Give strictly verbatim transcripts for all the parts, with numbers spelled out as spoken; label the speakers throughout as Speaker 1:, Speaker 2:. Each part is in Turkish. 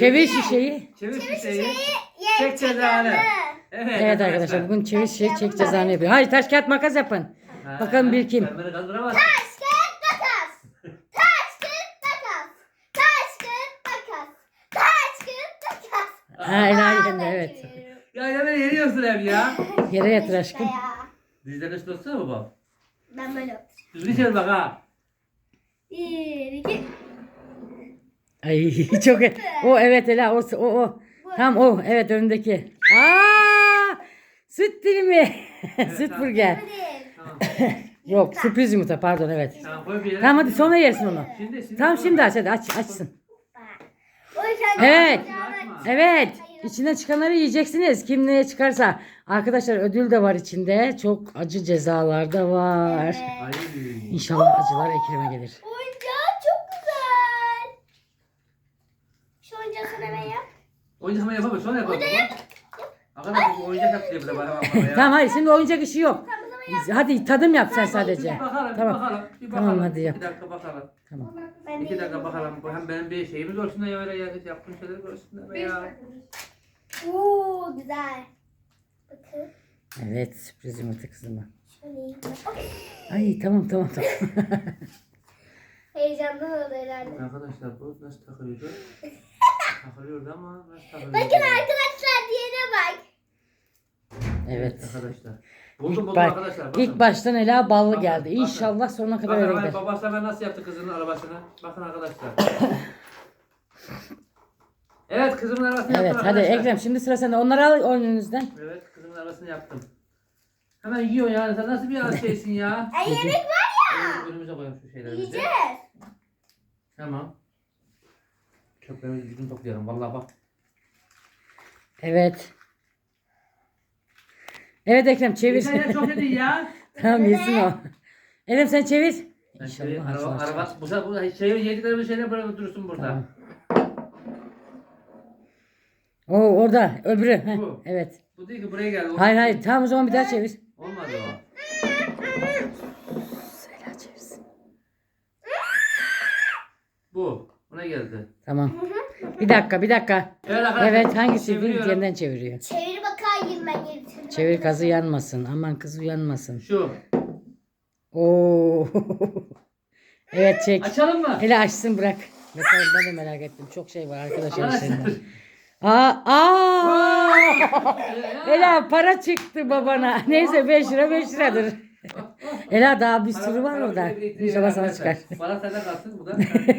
Speaker 1: Çevir şişeyi.
Speaker 2: Çevir şişeyi. Çek cezanı. Evet,
Speaker 1: Evet arkadaşlar bugün çevir şişeyi çek cezanı yapıyor. Hayır taş kağıt makas yapın.
Speaker 2: Ha,
Speaker 1: Bakalım bir kim?
Speaker 2: sen beni kandıramazsın.
Speaker 3: Taş kağıt makas. Taş kağıt makas. Taş kağıt makas. Taş kağıt makas.
Speaker 1: Ha Ela
Speaker 3: Aa,
Speaker 1: yendi
Speaker 3: ben
Speaker 1: evet.
Speaker 3: çeviriyorum.
Speaker 2: Ya yine beni yeniyorsun hep ya.
Speaker 1: Yere yatır aşkım.
Speaker 3: Ya.
Speaker 2: Dizlerini üstüne tutsana baba.
Speaker 3: Ben böyle yapacağım.
Speaker 2: Düzgün çevir bak ha.
Speaker 3: Bir, iki.
Speaker 1: Ay çok o evet Ela o o o. Tam o evet önündeki. Aa! Süt dilimi. Süt
Speaker 2: tamam.
Speaker 1: burger.
Speaker 3: Hadi.
Speaker 2: Tamam.
Speaker 1: Yok sürpriz yumurta pardon evet.
Speaker 2: Tamam koy bir yere.
Speaker 1: Tamam hadi sonra yersin onu.
Speaker 2: Şimdi şimdi.
Speaker 1: Tamam
Speaker 2: koy.
Speaker 1: şimdi aç hadi aç açsın.
Speaker 3: O yüzden
Speaker 1: Evet.
Speaker 2: Açma.
Speaker 1: Evet. İçinden çıkanları yiyeceksiniz. Kim neye çıkarsa. Arkadaşlar ödül de var içinde. Çok acı cezalar da var.
Speaker 3: Evet.
Speaker 2: Ay.
Speaker 1: İnşallah acılar Ekrem'e gelir.
Speaker 3: Oyuncağın çok güzel. Şu oyuncağı sana ben yap.
Speaker 2: Oyuncak hemen yapamıyor. Sonra yapalım. Arkadaşlar bu oyuncak yaptı diye bir de bana bak bana ya.
Speaker 1: Tamam hayır şimdi oyuncak işi yok. Hadi tadım yap sen
Speaker 2: Bir
Speaker 1: sadece.
Speaker 2: bakalım, bir
Speaker 1: Tamam.
Speaker 2: bakalım, bir
Speaker 1: Tamam,
Speaker 2: bakalım.
Speaker 1: hadi yap.
Speaker 2: İki dakika bakalım.
Speaker 1: Tamam.
Speaker 3: Ben
Speaker 2: İki dakika bakalım. Bu hem benim bir şeyimi görsünler ya öyle ya. Yaptığım şeyleri görsünler be ya.
Speaker 3: Oo güzel. Bakın.
Speaker 1: Evet sürpriz yumurta kızıma.
Speaker 3: Şöyle iyi.
Speaker 1: Ay tamam tamam tamam.
Speaker 3: Heyecanlı oldu herhalde.
Speaker 2: Arkadaşlar bu nasıl takılıyordu? Takılıyordu ama nasıl takılıyordu?
Speaker 3: Bakın arkadaşlar diğerine bak.
Speaker 1: Evet.
Speaker 2: Arkadaşlar. Buldum
Speaker 1: İlk,
Speaker 2: buldum
Speaker 1: baş,
Speaker 2: arkadaşlar. Bakın.
Speaker 1: ilk baştan Ela ballı
Speaker 2: Bakın,
Speaker 1: geldi.
Speaker 2: bakın.
Speaker 1: İnşallah sonuna kadar
Speaker 2: Bakın
Speaker 1: öyle
Speaker 2: hemen
Speaker 1: gider.
Speaker 2: babası hemen nasıl yaptı kızının arabasını. Bakın arkadaşlar. evet kızımın arabasını
Speaker 1: Evet
Speaker 2: yaptım
Speaker 1: hadi
Speaker 2: arkadaşlar.
Speaker 1: Ekrem şimdi sıra sende. Onları al önünüzden.
Speaker 2: Evet kızımın arabasını yaptım. Hemen yiyor yani. Sen nasıl bir şeysin ya?
Speaker 3: Ay yemek var ya.
Speaker 2: Önümüze koyalım şu şeyleri. bize.
Speaker 3: Yiyeceğiz.
Speaker 2: Tamam. Çöplerimizi düzgün toplayalım. Vallahi bak.
Speaker 1: Evet. Evet Ekrem çevir.
Speaker 2: Sen ya çok yedin ya.
Speaker 1: Tamam yesin o. Ekrem sen çevir.
Speaker 2: Ben
Speaker 1: İnşallah
Speaker 2: şey, araba,
Speaker 1: acılar
Speaker 2: araba,
Speaker 1: çıkar.
Speaker 2: bu sefer bu şey yediklerimiz şeyler bırakıp dursun burada.
Speaker 1: Tamam. Oo orada öbürü. Heh,
Speaker 2: Bu.
Speaker 1: evet.
Speaker 2: Bu değil ki buraya geldi. O-
Speaker 1: Hayır hayır tamam o zaman bir daha çevir.
Speaker 2: Olmadı o.
Speaker 1: Ela çevirsin.
Speaker 2: Bu. Buna geldi.
Speaker 1: Tamam. Bir dakika bir dakika.
Speaker 2: Evet arkadaşlar.
Speaker 1: Evet hangisi
Speaker 2: çeviriyorum.
Speaker 1: yeniden çeviriyor.
Speaker 3: Çevir bakayım ben getirdim.
Speaker 1: Çevir kazı yanmasın. Aman kız uyanmasın.
Speaker 2: Şu.
Speaker 1: Oo. Evet çek.
Speaker 2: Açalım mı?
Speaker 1: Hele açsın bırak. Bakalım ben de merak ettim. Çok şey var arkadaşlar
Speaker 2: Arkadaşlar.
Speaker 1: içinde. Aa, aa. Ela para çıktı babana. Neyse beş lira beş liradır. Ela daha bir sürü var orada. İnşallah sana çıkar.
Speaker 2: Bana sende kalsın bu da.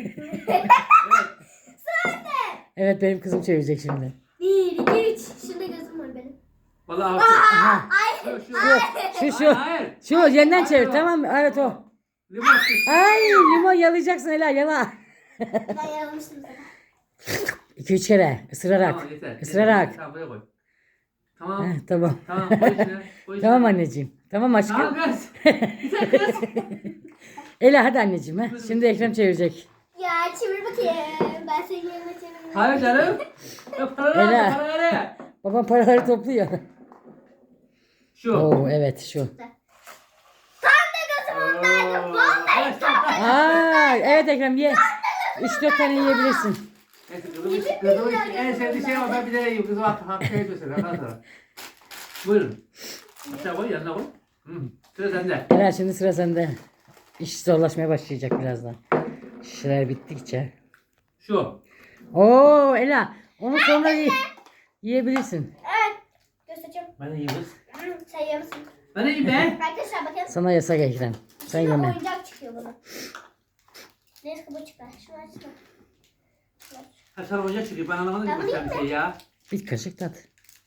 Speaker 1: Evet benim kızım çevirecek şimdi.
Speaker 3: Bir, iki, üç. Şurada gözüm var benim.
Speaker 2: Vallahi
Speaker 1: Aha.
Speaker 3: Ay.
Speaker 2: Şu şu.
Speaker 1: Şu şu.
Speaker 2: Hayır.
Speaker 1: Şu yeniden çevir tamam mı? Evet o.
Speaker 2: Limon sık.
Speaker 1: Ay limon yalayacaksın Ela yala.
Speaker 3: Ben yanılmıştım zaten.
Speaker 1: iki üç kere ısırarak.
Speaker 2: Tamam yeter.
Speaker 1: Isırarak.
Speaker 2: Yeter. Tamam buraya koy. Tamam.
Speaker 1: Heh, tamam.
Speaker 2: Tamam koy içine. Koy içine.
Speaker 1: Tamam anneciğim. Tamam aşkım.
Speaker 2: Tamam kız. Güzel kız.
Speaker 1: Ela hadi anneciğim. Ha. Şimdi Ekrem çevirecek.
Speaker 3: Ya çevir bakayım. Ben senin yerine çevireyim.
Speaker 2: Hayır canım. Ya paraları
Speaker 1: Ela.
Speaker 2: al, paraları nereye?
Speaker 1: Babam paraları topluyor.
Speaker 2: Şu.
Speaker 1: Oo evet şu.
Speaker 3: Tam da gözüm ondaydı. Vallahi tam.
Speaker 1: Aa evet Ekrem ye. üç dört tane yiyebilirsin.
Speaker 2: Neyse kızımın, kızımın en sevdiği şey o ben bir de yiyeyim. Kızım hak hak şey yapıyorsun. Arkadaşlar. Buyurun. Aşağı koy yanına koy. Hı. Sıra sende.
Speaker 1: Ela şimdi sıra sende. İş zorlaşmaya başlayacak birazdan. Şişeler bittikçe.
Speaker 2: Şu.
Speaker 1: Oo Ela onu sonra ye- yiyebilirsin.
Speaker 3: Evet. Göstereceğim.
Speaker 2: Ben de yiyeyim kız.
Speaker 3: Hı, Sen yiyorsun.
Speaker 2: Ben de yiyeyim be.
Speaker 3: Arkadaşlar bakın.
Speaker 1: Sana yasak Ekrem. Sen
Speaker 3: Şimdi
Speaker 1: yeme.
Speaker 3: oyuncak çıkıyor bana. Neyse bu çıkar. Şunu açsana.
Speaker 2: Kaç tane oyuncak çıkıyor? Ben anlamadım ki
Speaker 3: Ben
Speaker 2: bu bir şey ya.
Speaker 1: Bir kaşık tat.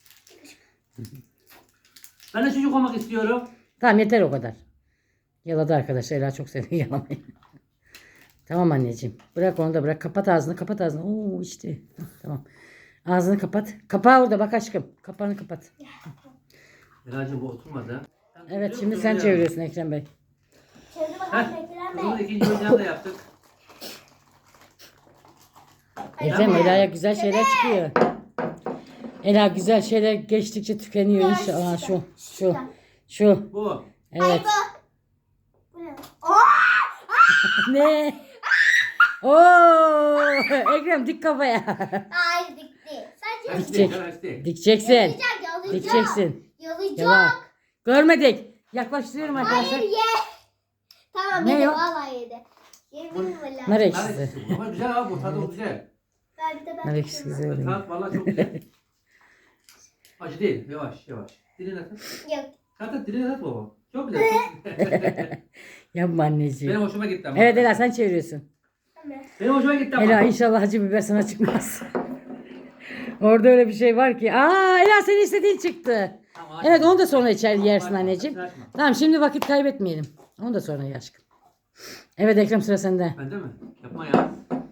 Speaker 2: Ben de çocuk olmak istiyorum.
Speaker 1: Tamam yeter o kadar. Yaladı arkadaşlar. Ela çok seviyor yalamayı. Tamam anneciğim. Bırak onu da bırak. Kapat ağzını kapat ağzını. Oo içti. Hah, tamam. Ağzını kapat. Kapağı orada bak aşkım. Kapağını kapat.
Speaker 2: Elacığım bu oturmadı.
Speaker 1: Evet şimdi sen çeviriyorsun Ekrem Bey.
Speaker 3: Çevir bakalım
Speaker 2: Heh.
Speaker 3: Ekrem
Speaker 2: Kızımın
Speaker 3: Bey.
Speaker 2: ikinci oyuncağını da yaptık.
Speaker 1: Ekrem Ela'ya güzel şeyler çıkıyor. Ela güzel şeyler geçtikçe tükeniyor inşallah. Aa, şu şu şu.
Speaker 2: Bu.
Speaker 1: Evet.
Speaker 3: Bu ne? Aa!
Speaker 1: Ne? Oo, Ekrem dik kafaya.
Speaker 3: Hayır dikti. Sadece
Speaker 2: Kaçtı,
Speaker 1: Dikecek.
Speaker 2: kaçtı.
Speaker 1: Dikeceksin.
Speaker 3: yalayacak yalayacak.
Speaker 1: Dikeceksin.
Speaker 3: Yalayacak.
Speaker 1: Yala. Görmedik. Yaklaştırıyorum arkadaşlar.
Speaker 3: Hayır ye. Tamam
Speaker 1: Ne
Speaker 3: yedi
Speaker 1: yok?
Speaker 3: vallahi yedi. Yemin valla.
Speaker 1: Nar
Speaker 2: Nar
Speaker 1: ekşisi.
Speaker 2: ekşisi bu. Ama güzel abi bu tadı güzel.
Speaker 3: Ben bir de ben
Speaker 1: Nar ekşisi güzel. değil.
Speaker 2: Tat valla çok güzel. Acı değil. Yavaş yavaş. Diline tat.
Speaker 3: Yok.
Speaker 2: Tat tat diline tat baba. Çok güzel.
Speaker 1: Yapma anneciğim.
Speaker 2: Benim hoşuma gitti ama.
Speaker 1: Evet Ela sen çeviriyorsun.
Speaker 3: Tamam.
Speaker 2: Benim hoşuma gitti ama.
Speaker 1: Ela inşallah acı biber sana çıkmaz. Orada öyle bir şey var ki. Aa Ela senin istediğin çıktı.
Speaker 2: Tamam,
Speaker 1: Evet
Speaker 2: açma.
Speaker 1: onu da sonra içer
Speaker 2: Tamam,
Speaker 1: yersin
Speaker 2: açma,
Speaker 1: anneciğim.
Speaker 2: açma.
Speaker 1: Tamam şimdi vakit kaybetmeyelim. Onu da sonra ye aşkım. Evet Ekrem sıra sende.
Speaker 2: Bende mi? Yapma ya.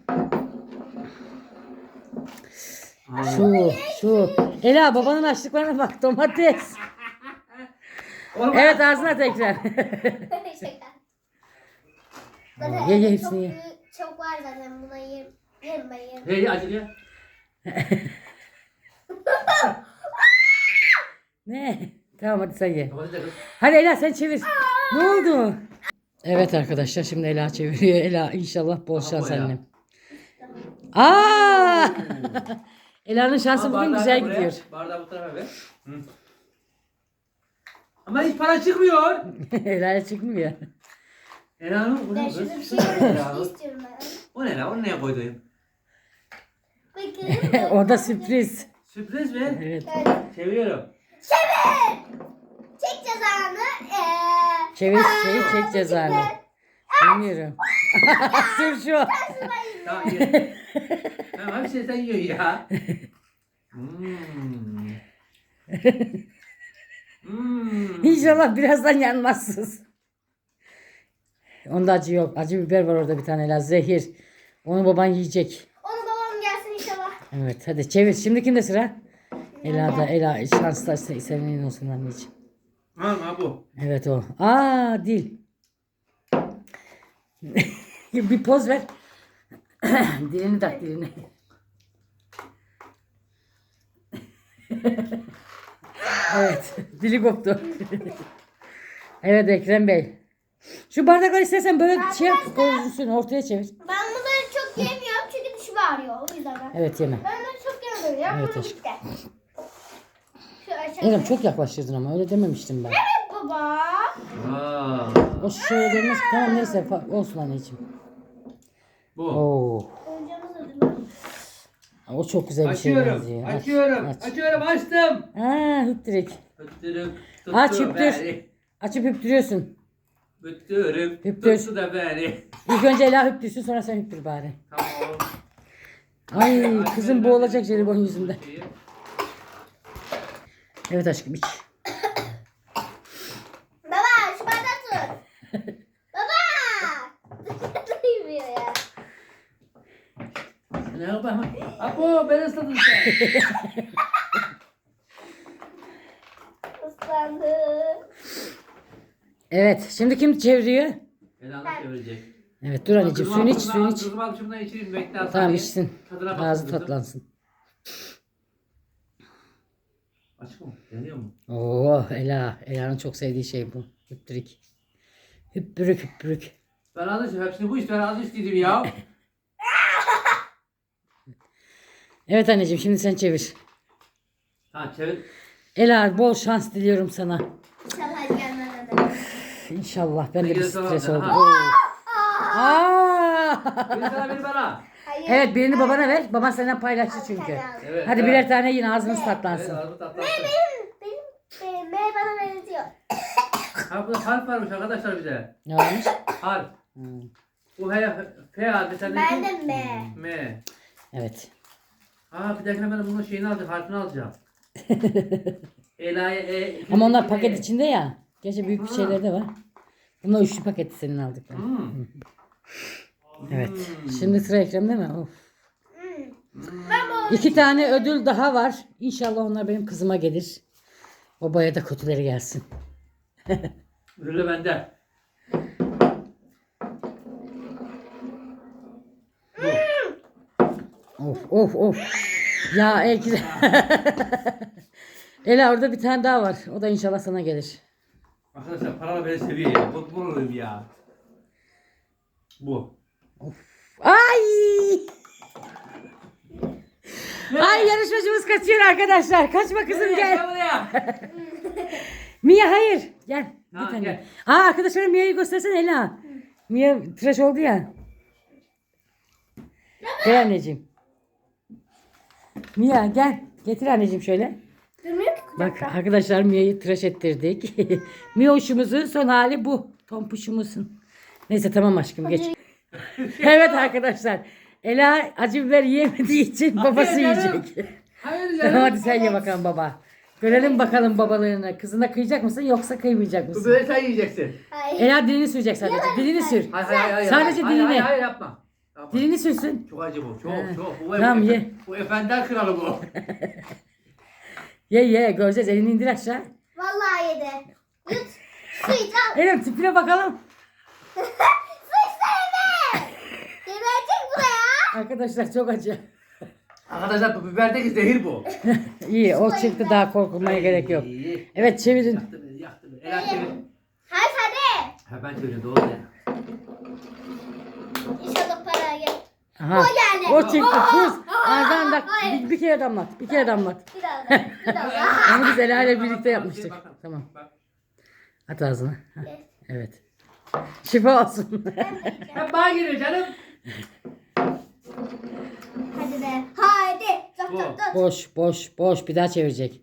Speaker 2: Aa.
Speaker 1: Şu şu. Ela babanın açlıklarına bak domates.
Speaker 2: Olmaz.
Speaker 1: Evet ağzına tekrar.
Speaker 3: Şaka.
Speaker 1: Aa, ye, ye hepsini
Speaker 3: çok,
Speaker 1: ye.
Speaker 3: büyük- çok var zaten buna yerim. Yerim ben yerim.
Speaker 2: Hey acılı ya.
Speaker 1: Ne? Tamam hadi sen ye.
Speaker 2: Domates de kız.
Speaker 1: Hadi Ela sen çevir. Ne oldu? Evet arkadaşlar şimdi Ela çeviriyor. Ela inşallah bol
Speaker 2: Aha,
Speaker 1: şans
Speaker 2: bu Ela.
Speaker 1: annem. Aa! Ela'nın şansı
Speaker 2: Al
Speaker 1: bugün
Speaker 2: bardağı
Speaker 1: güzel
Speaker 2: da buraya.
Speaker 1: gidiyor.
Speaker 2: Bardağı bu tarafa ver. Hı. Ama hiç para çıkmıyor.
Speaker 1: Ela'ya çıkmıyor.
Speaker 2: Ela'nın bu
Speaker 3: Ben
Speaker 2: ne
Speaker 3: şurada bir
Speaker 2: kız?
Speaker 3: şey yemek
Speaker 2: Ela'nın.
Speaker 3: istiyorum ben.
Speaker 2: O ne la? Onu neye koydun?
Speaker 3: Bakın.
Speaker 1: O da sürpriz.
Speaker 2: Sürpriz mi?
Speaker 1: Evet.
Speaker 3: Evet.
Speaker 2: Çeviriyorum.
Speaker 3: Çek cezanı. Ee,
Speaker 1: Çevir şeyi çek cezanı. Bilmiyorum. Sür şu.
Speaker 2: Tamam ye. Tamam hepsini sen yiyorsun ya. Hmm. Hmm.
Speaker 1: İnşallah birazdan yanmazsınız. Onda acı yok. Acı biber var orada bir tane Ela. Zehir. Onu baban yiyecek.
Speaker 3: onu babam gelsin inşallah.
Speaker 1: Evet hadi çevir. Şimdi kimde sıra? Ela'da. Ela şanslar se- senin olsun anneciğim.
Speaker 2: Ha ha bu.
Speaker 1: Evet o. Aa dil. Bir poz ver. Dilini tak dilini. Evet. Dili koptu. Evet Ekrem Bey. Şu bardakları istersen böyle şey yap, koysun ortaya çevir.
Speaker 3: Ben bunları çok yemiyorum çünkü dişim ağrıyor. O yüzden ben.
Speaker 1: Evet yeme.
Speaker 3: Ben bunları çok yemiyorum.
Speaker 1: Evet
Speaker 3: Bunu
Speaker 1: aşkım.
Speaker 3: işte. Şu aşağıya.
Speaker 1: Ekrem çok yaklaştırdın ama öyle dememiştim ben.
Speaker 3: Evet baba.
Speaker 2: Aa.
Speaker 1: O şöyle demez. Tamam neyse fa- olsun anneciğim.
Speaker 2: Bu.
Speaker 1: Oo.
Speaker 3: Oyuncağımız ödülü.
Speaker 1: O çok güzel bir şey
Speaker 2: Açıyorum.
Speaker 1: benziyor. Aç,
Speaker 2: Açıyorum.
Speaker 1: aç.
Speaker 2: Açıyorum. Açtım.
Speaker 1: Aa hüptürük.
Speaker 2: Öttürüm.
Speaker 1: Aç,
Speaker 2: tuttu
Speaker 1: hüptür.
Speaker 2: beni.
Speaker 1: Açıp hüptürüyorsun.
Speaker 2: Öttürüm.
Speaker 1: Hüptür.
Speaker 2: Tuttu da beni.
Speaker 1: İlk önce Ela hüptürsün sonra sen hüptür bari.
Speaker 2: Tamam.
Speaker 1: Ay
Speaker 2: Aç,
Speaker 1: kızım
Speaker 2: ver,
Speaker 1: boğulacak
Speaker 2: ver.
Speaker 1: jelibon yüzünden.
Speaker 2: Şeyi.
Speaker 1: Evet aşkım iç.
Speaker 3: Baba şu bardağı tut. Baba. Duymuyor ya.
Speaker 2: Ne yapayım? Apo ben ısladım sen.
Speaker 3: Islandı.
Speaker 1: Evet şimdi kim çeviriyor?
Speaker 2: Ela'nı çevirecek.
Speaker 1: Evet dur anneciğim suyunu iç suyunu iç.
Speaker 2: Kızım al şundan içeyim bekle. al
Speaker 1: Tamam
Speaker 2: saniye.
Speaker 1: içsin.
Speaker 2: Tadına baksın
Speaker 1: Ağzı
Speaker 2: kızım.
Speaker 1: tatlansın.
Speaker 2: Açık mı? Deniyor mu?
Speaker 1: Oo Ela. Ela'nın çok sevdiği şey bu. Hüptürük. Hüptürük hüptürük.
Speaker 2: Ben az önce hepsini bu iş ben az isteydim ya.
Speaker 1: Evet anneciğim şimdi sen çevir.
Speaker 2: Ha çevir.
Speaker 1: Ela bol şans diliyorum sana.
Speaker 3: İnşallah gelmeden de.
Speaker 1: İnşallah ben de bir
Speaker 2: Peki, tamam,
Speaker 1: stres
Speaker 2: tamam.
Speaker 1: oldum. Oo. Aa!
Speaker 2: Bir sana bir bana.
Speaker 3: Hayır.
Speaker 1: Evet birini babana ver. Baban senden paylaştı çünkü.
Speaker 2: Evet.
Speaker 1: Hadi
Speaker 2: evet.
Speaker 1: birer tane yine ağzınız
Speaker 2: Evet
Speaker 1: tatlansın.
Speaker 2: ağzı tatlansın.
Speaker 3: Benim, benim, benim bana benziyor.
Speaker 2: Ha burada harf varmış arkadaşlar bize.
Speaker 1: Ne olmuş?
Speaker 2: Harf.
Speaker 1: Hmm.
Speaker 2: Bu H, F harfi sende
Speaker 3: Ben
Speaker 2: kim?
Speaker 3: de M.
Speaker 2: M.
Speaker 1: Evet.
Speaker 2: Aa bir dakika ben bunun şeyini alacağım, harfini alacağım. Ela'ya E.
Speaker 1: Ama onlar
Speaker 2: E.
Speaker 1: paket içinde ya. Gerçi büyük bir
Speaker 2: Ha.
Speaker 1: şeyler de var. Bunlar üçlü paket senin aldık.
Speaker 2: Hmm.
Speaker 1: Evet.
Speaker 2: Hmm.
Speaker 1: Şimdi sıra Ekrem'de mi? Of.
Speaker 3: Hmm. Ben bu
Speaker 1: İki tane ödül daha var. İnşallah onlar benim kızıma gelir. Babaya da kötüleri gelsin.
Speaker 2: Ödülü bende.
Speaker 1: Of of of. Ya Ekrem. Ela orada bir tane daha var. O da inşallah sana gelir.
Speaker 2: Arkadaşlar paralar beni seviyor ya. Bu, bu olayım ya. Bu.
Speaker 1: Ay! Ay yarışmacımız kaçıyor arkadaşlar. Kaçma kızım
Speaker 2: Nereye?
Speaker 1: gel.
Speaker 2: Gel buraya.
Speaker 1: Mia hayır. Gel.
Speaker 2: Ha,
Speaker 1: Bir tane.
Speaker 2: gel.
Speaker 1: Aa arkadaşlara Mia'yı göstersene Ela. Mia tıraş oldu ya. Gel anneciğim. Mia gel. Getir anneciğim şöyle.
Speaker 3: Durmuyor ki
Speaker 1: Bak
Speaker 3: kucakta.
Speaker 1: arkadaşlar Mia'yı tıraş ettirdik. Mia'şumuzun son hali bu. Tompuşumuzun. Neyse tamam aşkım geç. Evet arkadaşlar. Ela acı biber yiyemediği için babası
Speaker 2: Hayır canım.
Speaker 1: yiyecek.
Speaker 2: Hayır
Speaker 1: Tamam
Speaker 2: canım.
Speaker 1: hadi sen ye bakalım baba. Görelim bakalım babalığını. Kızına kıyacak mısın yoksa kıymayacak
Speaker 2: Bu
Speaker 1: mısın?
Speaker 2: böyle sen yiyeceksin.
Speaker 3: Hayır.
Speaker 1: Ela dilini sürecek sadece. Dilini sür.
Speaker 2: Hayır hayır hayır.
Speaker 1: Sadece
Speaker 2: hayır,
Speaker 1: dilini.
Speaker 2: Hayır hayır yapma. Yapma.
Speaker 1: Dilini sürsün.
Speaker 2: Çok acı bu. Çok
Speaker 1: Ha.
Speaker 2: çok. Bu,
Speaker 1: Tamam,
Speaker 2: bu,
Speaker 1: ye.
Speaker 2: bu efendiler kralı bu.
Speaker 1: Ye ye göreceğiz. Elini indir aşağı.
Speaker 3: Vallahi yedi. Yut. Su iç al.
Speaker 1: Elim tipine bakalım.
Speaker 3: Su içsene. Geberecek bu da ya.
Speaker 1: Arkadaşlar çok acı.
Speaker 2: Arkadaşlar bu biberdeki zehir bu.
Speaker 1: İyi o çıktı daha korkulmaya gerek yok.
Speaker 2: İyi.
Speaker 1: Evet çevirin.
Speaker 2: Yaktı beni yaktı beni. Ela çevir.
Speaker 3: Hadi hadi.
Speaker 2: Ha ben çeviriyorum doğru ya.
Speaker 3: İnşallah para gel.
Speaker 1: Aha.
Speaker 3: O geldi.
Speaker 1: O çıktı
Speaker 3: Aa,
Speaker 1: tuz.
Speaker 3: aa,
Speaker 1: Ağzından da
Speaker 3: hayır.
Speaker 1: bir, bir kere damlat. Bir kere damlat.
Speaker 3: Bir daha da. Bir daha da.
Speaker 1: Onu biz Ela ile birlikte
Speaker 2: Bak,
Speaker 1: yapmıştık.
Speaker 2: bak, bak.
Speaker 1: Tamam.
Speaker 2: Bak.
Speaker 1: At ağzına. Hah, evet. Şifa olsun.
Speaker 2: Hep bana geliyor canım.
Speaker 3: Hadi be. Haydi. Tut
Speaker 2: Bu.
Speaker 3: tut tut.
Speaker 1: Boş boş boş bir daha çevirecek.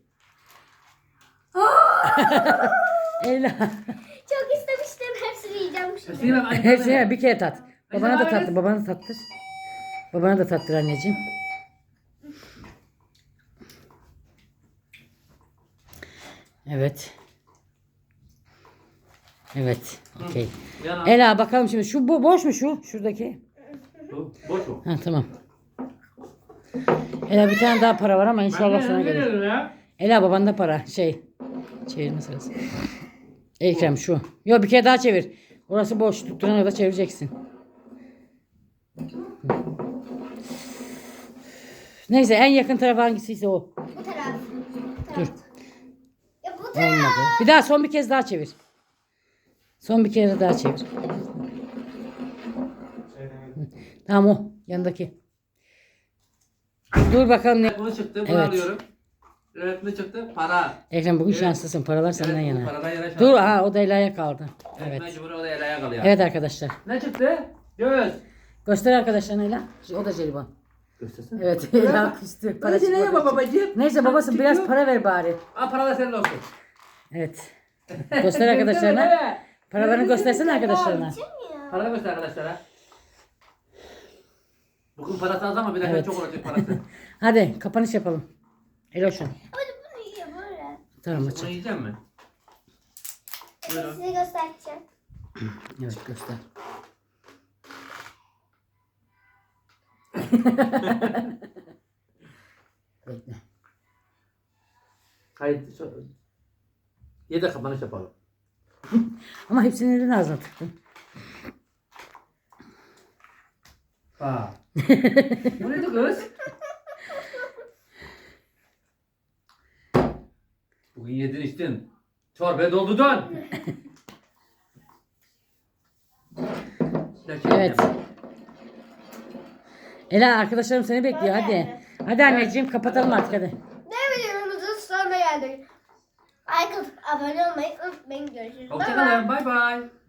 Speaker 1: Ela.
Speaker 3: Çok istemiştim. Hepsini yiyeceğim şimdi.
Speaker 2: Sinem anne.
Speaker 1: Hepsini bir kere tat. Babana da
Speaker 2: Neyse,
Speaker 1: tattır. Babana da tattır. Babana da tattır anneciğim. Evet. Evet. Okey.
Speaker 2: Yana.
Speaker 1: Ela bakalım şimdi. Şu bu boş mu şu? Şuradaki.
Speaker 2: Bu, boş o.
Speaker 1: Ha tamam. Ela bir tane daha para var ama inşallah
Speaker 2: Ben
Speaker 1: sana
Speaker 2: ne
Speaker 1: gelir.
Speaker 2: veriyorum ya?
Speaker 1: Ela babanda para. Şey. Çevirme sırası. Ekrem şu. Yok bir kere daha çevir. Orası boş. Tutturana kadar çevireceksin. Neyse en yakın taraf hangisiyse o.
Speaker 3: Bu taraf. Bu
Speaker 1: Dur.
Speaker 3: taraf. Ya bu taraf.
Speaker 1: Olmadı. Bir daha son bir kez daha çevir. Son bir kere daha çevir. Hı. Tamam o. Yanındaki. Dur bakalım ne.
Speaker 2: Bunu çıktı. Bunu
Speaker 1: Evet.
Speaker 2: alıyorum. Evet ne çıktı? Para.
Speaker 1: Ekrem bugün
Speaker 2: Evet.
Speaker 1: şanslısın. Paralar senden
Speaker 2: Evet, bu
Speaker 1: yana.
Speaker 2: paradan yana şans.
Speaker 1: Dur ha o da Ela'ya kaldı.
Speaker 2: Evet.
Speaker 1: Evet.
Speaker 2: Mecbur o da Ela'ya kalıyor.
Speaker 1: Evet arkadaşlar.
Speaker 2: Ne çıktı? Göz.
Speaker 1: Göster arkadaşlarına Ela. O da jelibon.
Speaker 2: Göstersene.
Speaker 1: Evet. Ela küstü. Para
Speaker 2: Parası neye
Speaker 1: çıkmadı.
Speaker 2: babacığım?
Speaker 1: Neyse babasın biraz
Speaker 2: Çıkıyor.
Speaker 1: para ver bari.
Speaker 2: Al para da senin olsun.
Speaker 1: Evet. Göster arkadaşlarına. Paralarını göstersene arkadaşlarına.
Speaker 2: Para göster arkadaşlara. Bugün parası az ama bir dakika
Speaker 1: Evet.
Speaker 2: çok olacak parası.
Speaker 1: Hadi kapanış yapalım. Eloşun.
Speaker 3: Hadi bunu yiyor böyle.
Speaker 1: Tamam
Speaker 2: Bunu
Speaker 1: açın.
Speaker 2: yiyecek mi? Buyurun.
Speaker 3: Size göstereceğim.
Speaker 1: Evet göster. Bekle.
Speaker 2: Hayır. Şu... Ye de kapanış yapalım.
Speaker 1: Ama hepsini neden ağzına tıktın?
Speaker 2: Aa. Bu neydi kız? Bugün yedin içtin. Çorbaya doldurdun.
Speaker 1: Evet. Ela arkadaşlarım seni bekliyor hadi. Hadi anneciğim kapatalım artık hadi.
Speaker 3: Ne videomuzun sonuna geldik. Like atıp abone olmayı unutmayın. Görüşürüz. Bye bye.
Speaker 2: Hoşçakalın. Bay bay.